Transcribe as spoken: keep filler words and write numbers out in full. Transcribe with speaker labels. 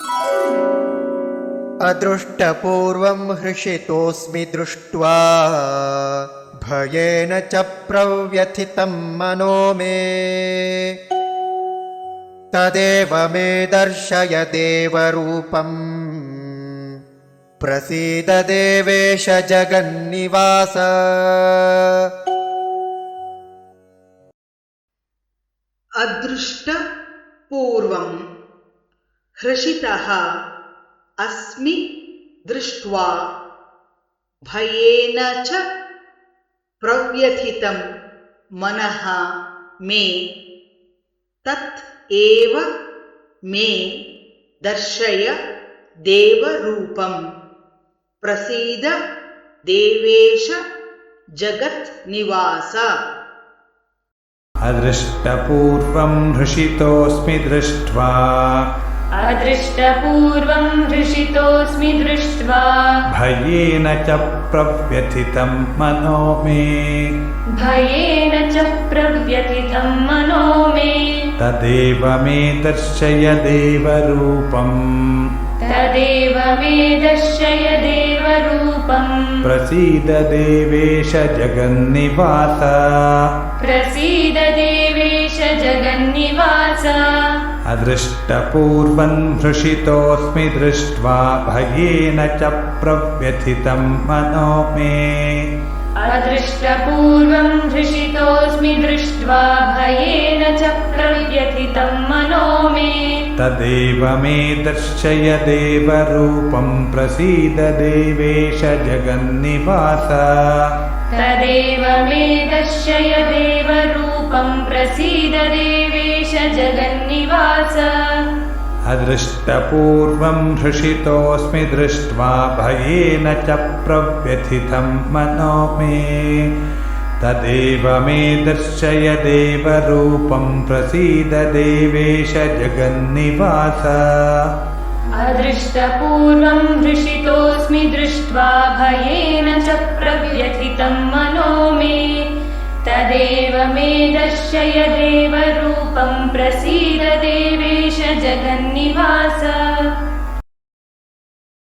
Speaker 1: अदृष्टपूर्वं हृषितोऽस्मि दृष्ट्वा भयेन च प्रव्यथितं मनो मे तदेव मे दर्शय देवरूपम् प्रसीद देवेश जगन्निवास।
Speaker 2: अदृष्टपूर्वं हृषितः अस्मि दृष्ट्वा भयेन च प्रव्यथितं मनः मे तत् एव मे दर्शय देवरूपं प्रसीद देवेश जगन्निवास।
Speaker 3: अदृष्टपूर्वं हृषितोऽस्मि दृष्ट्वा
Speaker 4: अदृष्टपूर्वं हृषितोऽस्मि दृष्ट्वा
Speaker 3: भयेन च प्रव्यथितं मनो मे
Speaker 4: भयेन च प्रव्यथितं मनो मे
Speaker 3: तदेव मे दर्शय देवरूपम्
Speaker 4: तदेव मे दर्शय देवरूपं
Speaker 3: प्रसीद देवेश जगन्निवास।
Speaker 4: प्रसीद देवेश जगन्निवास।
Speaker 3: अदृष्टपूर्वं हृषितोऽस्मि दृष्ट्वा भयेन च प्रव्यथितं मनो मे
Speaker 4: अदृष्टपूर्वं हृषितोऽस्मि दृष्ट्वा भयेन च प्रव्यथितं मनो मे
Speaker 3: तदेव मे दर्शय देवरूपं प्रसीद देवेश जगन्निवास।
Speaker 4: तदेव मे दर्शय देवरूपं प्रसीद देवेश जगन्निवास।
Speaker 3: अदृष्टपूर्वं हृषितोऽस्मि दृष्ट्वा भयेन च प्रव्यथितं मनो मे तदेव मे दर्शय देवरूपं प्रसीद देवेश जगन्निवास।
Speaker 4: अदृष्टपूर्वं हृषितोऽस्मि दृष्ट्वा भयेन च प्रव्यथितं मनो मे तदेव मे दर्शय देवरूपं प्रसीद देवेश जगन्निवास।